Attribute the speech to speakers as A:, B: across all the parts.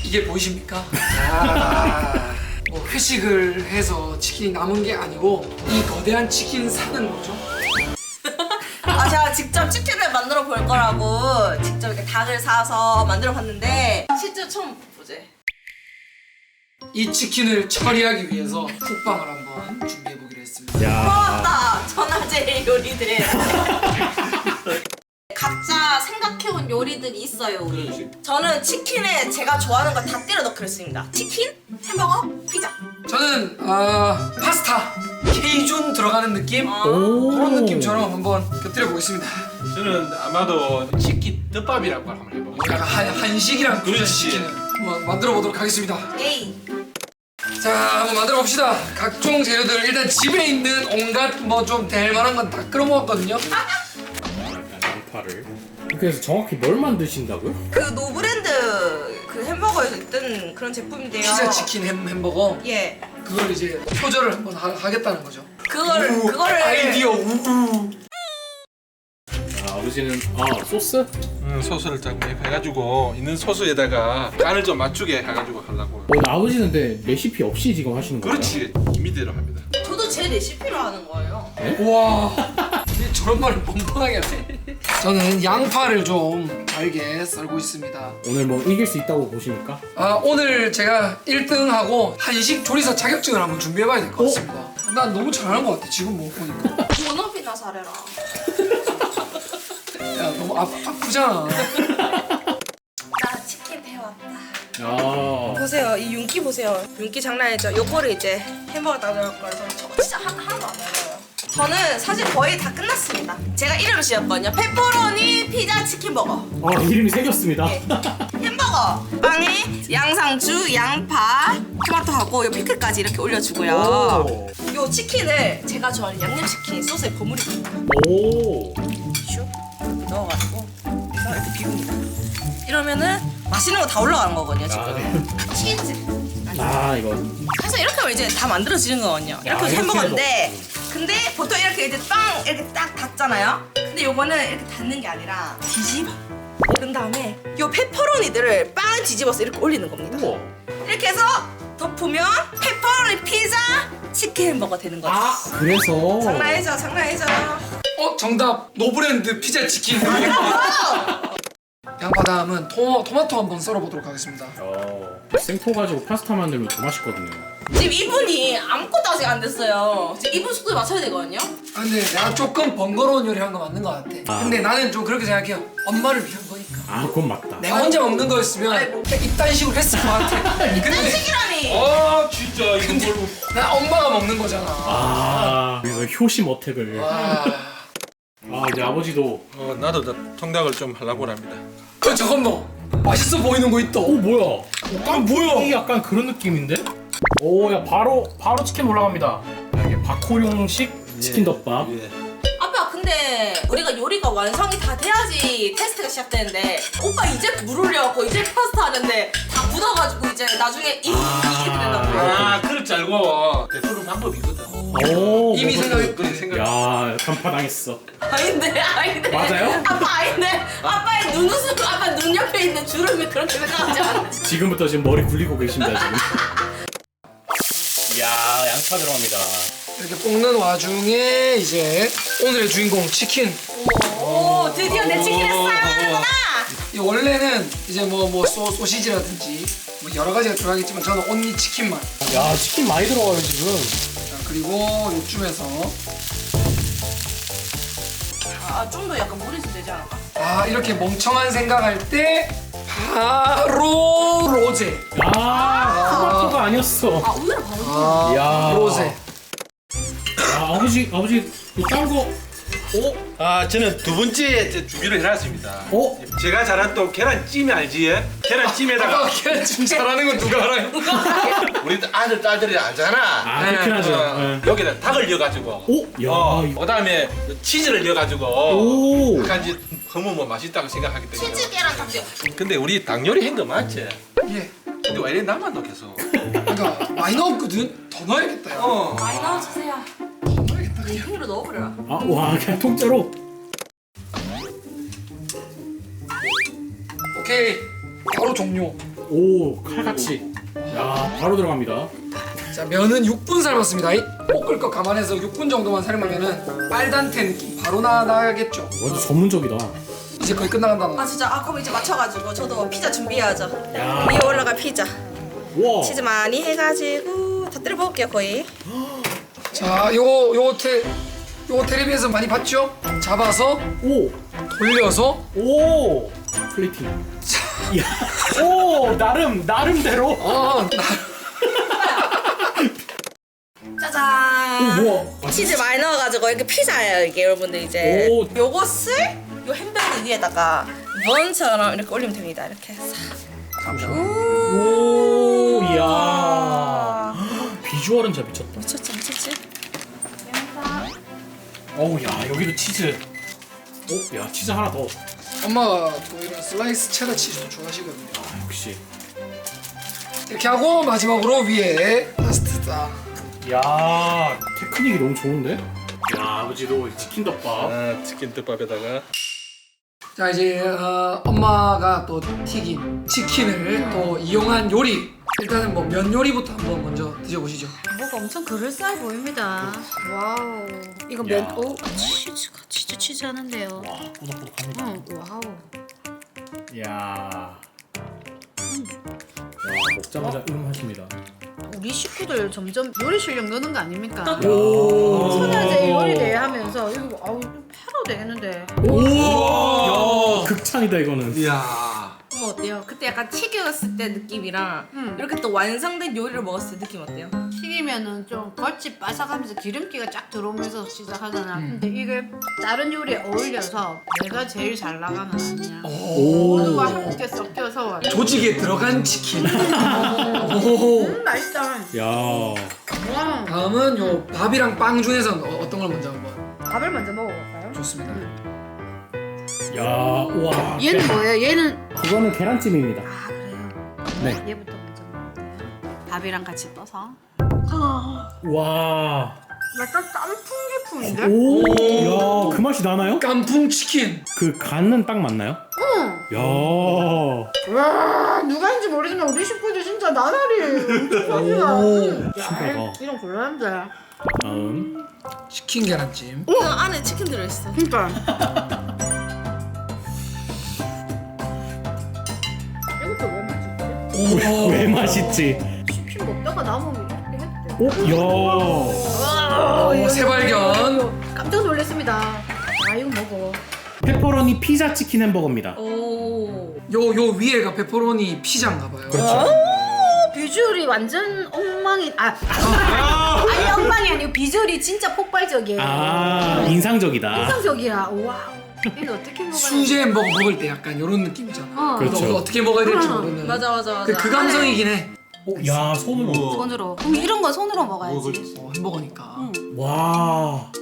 A: 이게 보이십니까? 뭐 회식을 해서 치킨이 남은 게 아니고 이 거대한 치킨 사는 거죠.
B: 제가 직접 치킨을 만들어 볼 거라고 직접 이렇게 닭을 사서 만들어 봤는데 실제 처음 보지.
A: 이 치킨을 처리하기 위해서 쿡방을 한번 준비해 보기로 했습니다.
B: 고맙다 전화제일 요리들. 각자 생각해온 요리들이 있어요 우리. 저는 치킨에 제가 좋아하는 거 다 때려 넣기로 했습니다. 치킨, 햄버거, 피자.
A: 저는 파스타 케이준 들어가는 느낌 그런 느낌처럼 한번 곁들여 보겠습니다.
C: 저는 아마도 치킨 떡밥이라고 한번 해볼게요.
A: 약간 한식이랑
C: 그렇지.
A: 치킨을 한번 만들어 보도록 하겠습니다.
B: 에이.
A: 자, 한번 만들어 봅시다. 각종 재료들 일단 집에 있는 온갖 뭐 좀 될 만한 건 다 끌어 모았거든요.
D: 양파를. 그래서 정확히 뭘 만드신다고요?
B: 그 노브랜드 그 햄버거에서 있던 그런 제품인데요.
A: 피자 치킨 햄버거
B: 예.
A: 그걸 이제 표절을 한번 하겠다는 거죠.
B: 그거를
A: 아이디어 우우.
D: 아버지는 소스?
C: 소스를 딱 해가지고 있는 소스에다가 간을 좀 맞추게 해가지고 하려고.
D: 아버지는 근데 레시피 없이 지금 하시는 거예요?
C: 그렇지. 임의대로 합니다.
B: 저도 제 레시피로 하는 거예요.
A: 와, 저런 말을 뻔뻔하게 하네. 저는 양파를 좀 잘게 썰고 있습니다.
D: 오늘 뭐 이길 수 있다고 보십니까?
A: 오늘 제가 1등하고 한식 조리사 자격증을 한번 준비해봐야 될 것 같습니다. 난 너무 잘하는 것 같아 지금 뭐 보니까.
B: 본업이나 잘해라.
A: 야, 너무 아프잖아.
B: 나 치킨 배웠다.
D: 아,
B: 보세요, 이 윤기 보세요. 윤기 장난 아니죠? 요거를 이제 햄버거 따져올 거라서 저거 진짜 하나도 안 어려워요. 저는 사실 거의 다 끝났습니다. 제가 이름을 지었거든요. 페퍼로니 피자 치킨 버거.
D: 이름이 새겼습니다.
B: 예. 햄버거 빵에 양상추, 양파, 토마토하고 요 피클까지 이렇게 올려주고요. 요 치킨을 제가 좋아하는 양념치킨 소스에 버무립니다.
D: 오.
B: 슉 넣어가지고 이렇게 비웁니다. 이러면은 맛있는 거 다 올라가는 거거든요 지금. 치즈.
D: 이거.
B: 사실 이렇게 하면 이제 다 만들어지는 거거든요. 이렇게 해서 햄버거인데 근데 보통 이렇게 이제 빵 이렇게 딱 닫잖아요. 근데 요거는 이렇게 닫는 게 아니라 뒤집어. 그런 다음에 요 페퍼로니들을 빵 뒤집어서 이렇게 올리는 겁니다.
D: 우와.
B: 이렇게 해서 덮으면 페퍼로니 피자 치킨 햄버거 되는 거죠.
D: 그래서.
B: 장난이죠, 장난이죠.
A: 정답 노브랜드 피자 치킨. 양파 다음은 토마토 한번 썰어보도록 하겠습니다.
D: 생토 가지고 파스타 만들면 더 맛있거든요.
B: 지금 이분이 아무것도 아직 안 됐어요. 지금 이분 속도에 맞춰야 되거든요.
A: 근데 내가 조금 번거로운 요리한 거 맞는 것 같아. 근데 나는 좀 그렇게 생각해요. 엄마를 위한 거니까.
D: 그건 맞다.
A: 내가 혼자 먹는 거였으면
B: 아이고.
A: 이딴 식으로 했을 것 같아. 근데
B: 식이라니.
C: 진짜 이거 뭘로?
A: 난 엄마가 먹는 거잖아.
D: 그래서 효심 어택을. 이제 아버지도.
C: 나도 통닭을 좀 하려고 합니다.
A: 저건 뭐 맛있어 보이는 거 있다.
D: 뭐야?
A: 뭐야?
D: 이게 약간 그런 느낌인데? 야 바로 치킨 올라갑니다. 이게 박호룡식 치킨 덮밥.
C: 예.
B: 아빠 근데 우리가 요리가 완성이 다 돼야지 테스트가 시작되는데 오빠 이제 물 올려갖고 이제 파스타 하는데 다 묻어가지고 이제 나중에 이렇게 된다고.
C: 그럴 줄 알고 베푸는 방법이 있거든.
A: 이미 생각했.
C: 그래 생각.
D: 야 간파당했어.
B: 아닌데.
D: 맞아요?
B: 아빠 아닌데. 아빠의 눈웃음, 아빠 눈 옆에 있는 주름이 그렇게 생각하지 않아.
D: 지금부터 지금 머리 굴리고 계십니다 지금. 이야 양파 들어갑니다.
A: 이렇게 볶는 와중에 이제 오늘의 주인공 치킨.
B: 오, 드디어 내 치킨을 사랑하는구나.
A: 이 원래는 이제 뭐 소시지라든지 뭐 여러 가지가 들어가겠지만 저는 온리 치킨만.
D: 야 치킨 많이 들어가요 지금.
A: 자, 그리고 요쯤에서
B: 좀 더 약간 물이 좀 되지 않을까?
A: 이렇게 멍청한 생각할 때 바로 로제.
D: 토마토가 아니었어.
B: 오히려 바로.
D: 야
A: 로제.
D: 아버지 딴 거.
C: 저는 두 번째 준비를 해놨습니다. 제가 잘한 또 계란찜 알지? 계란찜에다가
A: 계란찜 잘하는 건 누가 알아요?
C: 우리 아들 딸들이 알잖아.
D: 그렇긴 하죠.
C: 여기다 닭을 넣어가지고. 그다음에 치즈를 넣어가지고. 약간 이제 너무 맛있다고 생각하기 때문에.
B: 치즈 계란 닭이요.
C: 근데 우리 닭 요리 한 거 맞지?
A: 예.
C: 근데 왜 이래 나만 넣어 계속?
A: 그러니까 많이 넣었거든. 더 넣어야겠다. 야.
B: 많이 넣어주세요.
A: 더 넣어야겠다.
B: 그냥 팽이로 넣어버려라.
D: 와 그냥 통째로.
A: 오케이. 바로 종료.
D: 오 칼같이. 야 바로 들어갑니다.
A: 자, 면은 6분 삶았습니다. 볶을 거 감안해서 6분 정도만 삶으면은 빨단테 느낌 바로 나겠죠.
D: 완전 전문적이다.
A: 이제 거의 끝나간다.
B: 아 진짜 그럼 이제 맞춰가지고 저도 피자 준비해야죠.
D: 야.
B: 위에 올라갈 피자.
D: 와.
B: 치즈 많이 해가지고 다 때려 먹을게요 거의.
A: 자, 요거 텔레비에서 많이 봤죠? 잡아서
D: 오.
A: 돌려서
D: 오. 플레이팅. 야. 오 나름대로.
B: 짜잔.
D: 오 뭐야?
B: 치즈 많이 넣어가지고 이렇게 피자예요 이게 여러분들 이제.
D: 오.
B: 요것을 요 햄버거 위에다가 번처럼 이렇게 올리면 됩니다. 이렇게 싹.
D: 오. 이야. 비주얼은 진짜 미쳤다.
B: 미쳤지.
D: 어우 야 여기도 치즈. 오. 야 치즈 하나 더.
A: 엄마가 또 이런 슬라이스 체다 치즈도 좋아하시거든요.
D: 아 역시.
A: 이렇게 하고 마지막으로 위에 파스타 딱.
D: 야 테크닉이 너무 좋은데? 야 아버지도 치킨 덮밥.
C: 치킨 덮밥에다가
A: 자, 이제 엄마가 또 튀긴 치킨을 또 이용한 요리. 일단은 뭐 면 요리부터 한번 먼저 드셔보시죠.
E: 뭐가 엄청 그럴싸해 보입니다. 와우. 이거
D: 야.
E: 면, 오, 치즈가 진짜 치즈하는데요.
D: 와 꼬덕꼬덕합니다.
E: 응, 와우.
D: 야. 먹자마자 하십니다.
E: 우리 식구들 점점 요리 실력 느는 거 아닙니까?
D: 오.
E: 소녀제 요리 대회 하면서 이거 아우 팔아도 되겠는데.
D: 야 극찬이다 이거는.
C: 이야.
B: 뭐 어때요? 그때 약간 튀겼을 때 느낌이랑 이렇게 또 완성된 요리를 먹었을 때 느낌 어때요?
E: 튀기면은 좀 겉이 바삭하면서 기름기가 쫙 들어오면서 시작하잖아. 근데 이게 다른 요리에 어울려서 내가 제일 잘 나가는 아니야. 모두가 함께 섞여서
A: 조직에 들어간 치킨. 오.
E: 맛있다.
D: 야.
E: 와.
A: 다음은 요 밥이랑 빵 중에서는 어떤 걸 먼저 한번.
E: 밥을 먼저 먹어볼까요?
A: 좋습니다.
D: 야. 와.
E: 얘는 뭐예요? 얘는
D: 그거는 계란찜입니다.
E: 아 그래요?
D: 네.
E: 얘부터 먼저 먹을게요. 밥이랑 같이 떠서.
D: 와.
E: 약간 깐풍기풍인데?
D: 오. 야, 그 맛이 나나요?
A: 깐풍 치킨.
D: 그 간은 딱 맞나요?
E: 응.
D: 야.
E: 와 누가인지 모르지만 우리 식구들 진짜 나날이 엄청
D: 신기하다.
E: 이런 곤란한데.
D: 다음.
A: 치킨 계란찜.
B: 그 안에 치킨 들어있어.
E: 그러니까. 이것도 왜 맛있지?
A: 오.
D: 왜 맛있지?
E: 치킨 먹다가 남으면 이렇게 했대.
D: 오. 야.
A: 오, 새발견.
E: 깜짝 놀랐습니다. 아 이거 먹어.
D: 페퍼로니 피자 치킨 햄버거입니다.
B: 오.
A: 요 위에가 페퍼로니 피자인가 봐요.
D: 그렇죠.
E: 비주얼이 완전 엉망이 아니 엉망이 아니고 비주얼이 진짜 폭발적이에요.
D: 아, 인상적이다.
E: 인상적이야. 와우. 이거 어떻게 먹어야
A: 수제 햄버거 먹을 때 약간 이런 느낌이잖아.
E: 어.
D: 그렇죠.
A: 어떻게 먹어야 될지 모르는.
B: 맞아.
A: 그 감성이긴 해.
D: 야, 손으로.
E: 손으로. 그럼 이런 건 손으로 먹어야지.
A: 햄버거니까.
D: 와.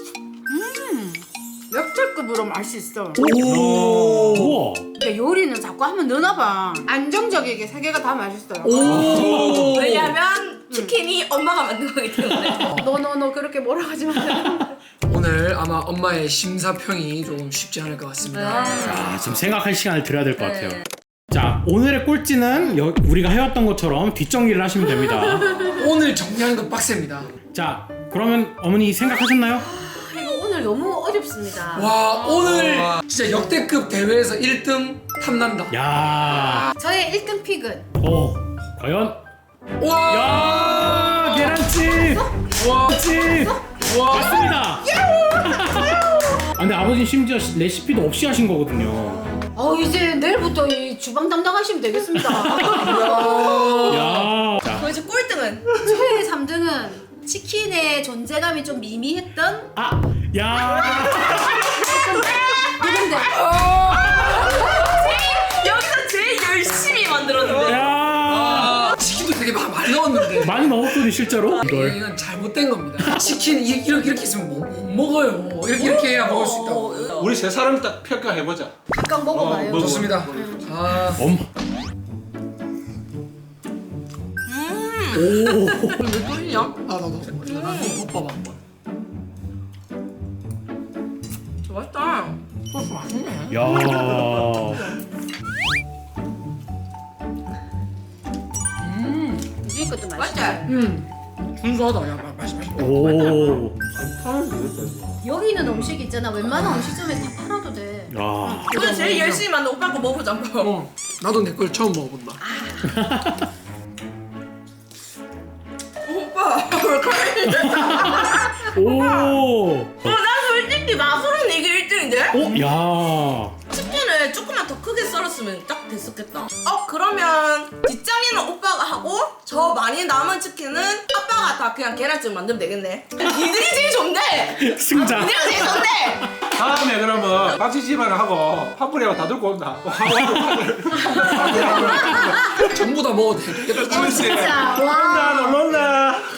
E: 역대급으로 맛있어.
D: 오. 우와.
E: 근데 요리는 자꾸 한번 넣어봐. 안정적이게 세 개가 다 맛있어요.
A: 오.
B: 왜냐면 치킨이 엄마가 만든 거기 때문에.
E: 너 그렇게 뭐라 하지 마.
A: 오늘 아마 엄마의 심사평이 조금 쉽지 않을 것 같습니다.
D: 자, 지금 생각할 시간을 드려야 될 것 같아요. 자, 오늘의 꼴찌는 우리가 해왔던 것처럼 뒷정리를 하시면 됩니다.
A: 오늘 정리하는 건 빡셉니다.
D: 자, 그러면 어머니 생각하셨나요?
E: 이거 오늘 너무 어렵습니다.
A: 와, 오늘 진짜 역대급 대회에서 1등 탐난다.
D: 야.
E: 저의 1등 픽은
D: 과연?
A: 와.
D: 야, 계란찜.
A: 와.
D: 찜.
A: 와.
D: 맞습니다. 아, 근데 아버지 심지어 레시피도 없이 하신 거거든요.
E: 이제 내일부터 이 주방 담당하시면 되겠습니다.
D: 야. 자,
B: 그럼 이제 꼴등은
E: 최애 3등은 치킨의 존재감이 좀 미미했던
D: 야.
E: 누군데?
B: 여기서 제일 열심히 만들었는데.
D: 야.
A: 치킨도 되게 많이 넣었는데.
D: 많이 넣었더니 실제로 이걸.
A: 이건 잘못된 겁니다. 치킨 이렇게 있으면 못 먹어요. 이렇게 해야 먹을 수 있다고.
C: 우리 세 사람 딱 평가해보자.
E: 각각 먹어봐요.
C: 먹어.
A: 좋습니다. 아,
D: 엄마. 오.
A: 왜 떨리냐? 나도 오빠봐 한번.
B: 맛있다.
A: 소스 맛있네.
D: 야.
E: 것도
B: 맞지?
E: 맛있어.
A: 준수하다. 야, 맛있어.
D: 오.
E: 여기 있는 음식 있잖아. 웬만한 음식점에 다 팔아도 돼.
D: 아.
B: 오늘 제일 열심히 만든 오빠 거 먹어보자.
A: 나도 내 걸 처음 먹어본다.
B: 오빠 왜 그래?
D: 오.
B: 난 솔직히 맛으로는 이게 1등인데?
D: 오. 야.
B: 치킨을 조금만 더 크게 썰었으면 딱 됐었겠다. 그러면 뒷장에는 오빠가 하고 저 많이 남은 치킨은 아빠가 다 그냥 계란찜 만들면 되겠네. 니들이 제일 좋네.
D: 승자.
B: 니들이 제일 좋네.
C: 다음에 그러면 박지집안을 하고 파뿌리하고 다 들고 온다.
A: 전부 다 먹어도 되겠다.
C: 그렇지.
E: 진짜 와.
C: 놀란다.